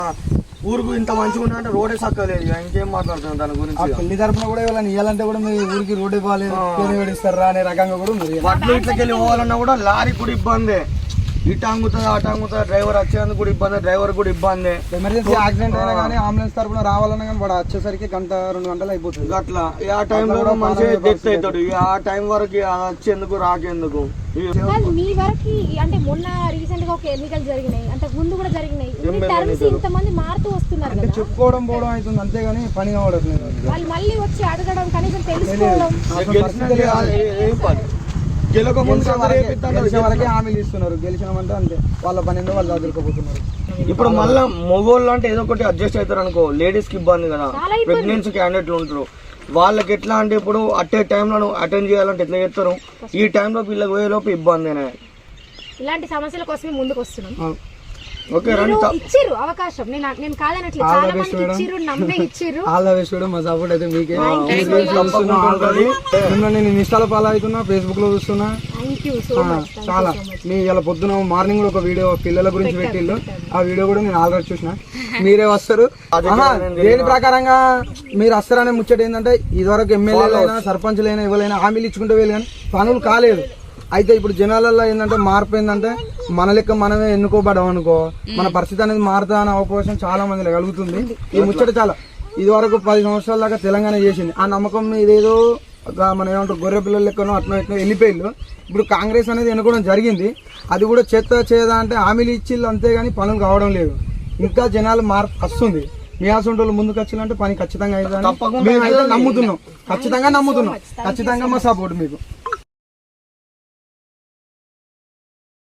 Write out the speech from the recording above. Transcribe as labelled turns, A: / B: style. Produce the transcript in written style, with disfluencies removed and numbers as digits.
A: ఊరుకు ఇంత మంచిగా ఉంటే రోడే సక్కలేదు, ఇంకేం మాట్లాడుతున్నాం దాని గురించి.
B: పెళ్లి తరపున కూడా ఇవ్వాలని ఇవ్వాలంటే కూడా మీ ఊరికి రోడ్డు ఇవ్వాలి, ఇస్తారా అనే రకంగా కూడా ఉంది.
A: వడ్లు ఇట్లకెళ్ళి పోవాలన్నా కూడా లారీ కూడా ఇబ్బంది, ఇటు అంగుతుంది అటు అంగుతుంది, డ్రైవర్ వచ్చేందుకు కూడా ఇబ్బంది, డ్రైవర్ కూడా ఇబ్బంది.
B: ఎమర్జెన్సీ యాక్సిడెంట్ అయినా కానీ అంబులెన్స్ తరపున రావాలన్నా కానీ వాడు వచ్చేసరికి 1-2 గంటలు అయిపోతుంది.
A: అట్లా ఆ టైంలో మంచిగా డెత్ అవుతాడు, ఆ టైం వరకు వచ్చేందుకు రాకేందుకు.
C: మీ వరకు అంటే మొన్న రీసెంట్ గా ఒక ఎన్నికలు జరిగినాయి, అంతకు ముందు కూడా జరిగినాయి, ఇంతమంది మారుతూ వస్తున్నారు కదా,
B: చెప్పుకోవడం పోవడం అవుతుంది అంతేగాని పని కావట్లేదు.
C: వాళ్ళు మళ్ళీ వచ్చి అడగడం, కనీసం తెలుసుకోవడం.
B: గెలిచిన వరకే హామీలు ఇస్తున్నారు, గెలిచినామంటే అంతే వాళ్ళ పని ఏందో వాళ్ళు చదువుకోబోతున్నారు.
A: ఇప్పుడు మళ్ళీ మగోళ్ళు అంటే ఏదో ఒకటి అడ్జస్ట్ అవుతారు అనుకో, లేడీస్ కి ఇబ్బంది కదా, ప్రెగ్నెన్సీ క్యాండిడేట్లు ఉంటారు, వాళ్ళకి ఎట్లా అంటే ఇప్పుడు అట్టే టైంలో అటెండ్ చేయాలంటే ఎట్లా చేస్తారు, ఈ టైంలో వీళ్ళకి పోయేలోపు ఇబ్బందినే.
C: ఇలాంటి సమస్యల కోసమే ముందుకు వస్తున్నాం.
A: ఓకే
C: ఇచ్చిర్రు అవకాశం, నేను కాదనట్లేదు, చాలా మంది ఇచ్చిర్రు, నమ్మే ఇచ్చిర్రు.
B: ఆల్ ద బెస్ట్ మేడం, మా సపోర్ట్ అయితే మీకే. నేను ఇన్స్టాలో ఫాలో అవుతున్నా, ఫేస్బుక్ లో చూస్తున్నా, చాలా మీ ఇలా పొద్దున మార్నింగ్ లో ఒక వీడియో పిల్లల గురించి పెట్టిళ్ళు, ఆ వీడియో కూడా నేను ఆల్రెడీ చూసిన. మీరే వస్తారు దేని ప్రకారంగా మీరు వస్తారనే ముచ్చట ఏంటంటే, ఇదివరకు ఎమ్మెల్యేలైనా సర్పంచ్లైనా ఎవరైనా హామీలు ఇచ్చుకుంటూ వెళ్ళి కానీ పనులు కాలేదు. అయితే ఇప్పుడు జనాలలో ఏంటంటే మార్పు ఏంటంటే, మన లెక్క మనమే ఎన్నుకోబడం అనుకో, మన పరిస్థితి అనేది మారుతా అనే అవకాశం చాలా మందిలో కలుగుతుంది. ఈ ముచ్చట చాలా ఇది వరకు 10 సంవత్సరాల దాకా తెలంగాణ చేసింది, ఆ నమ్మకం ఇదేదో మనం ఏమంటారు గొర్రె పిల్లల లెక్కనో అట్లా ఎట్లా వెళ్ళిపోయిళ్ళు. ఇప్పుడు కాంగ్రెస్ అనేది ఎన్నుకోవడం జరిగింది, అది కూడా చేదా అంటే హామీలు ఇచ్చిళ్ళు అంతేగాని పనులు కావడం లేదు. ఇంకా జనాలు మార్పు వస్తుంది, మీ ఆసంటోళ్ళు ముందుకు వచ్చిందంటే పని ఖచ్చితంగా అయితే నమ్ముతున్నాం, ఖచ్చితంగా మా సపోర్ట్ మీకు.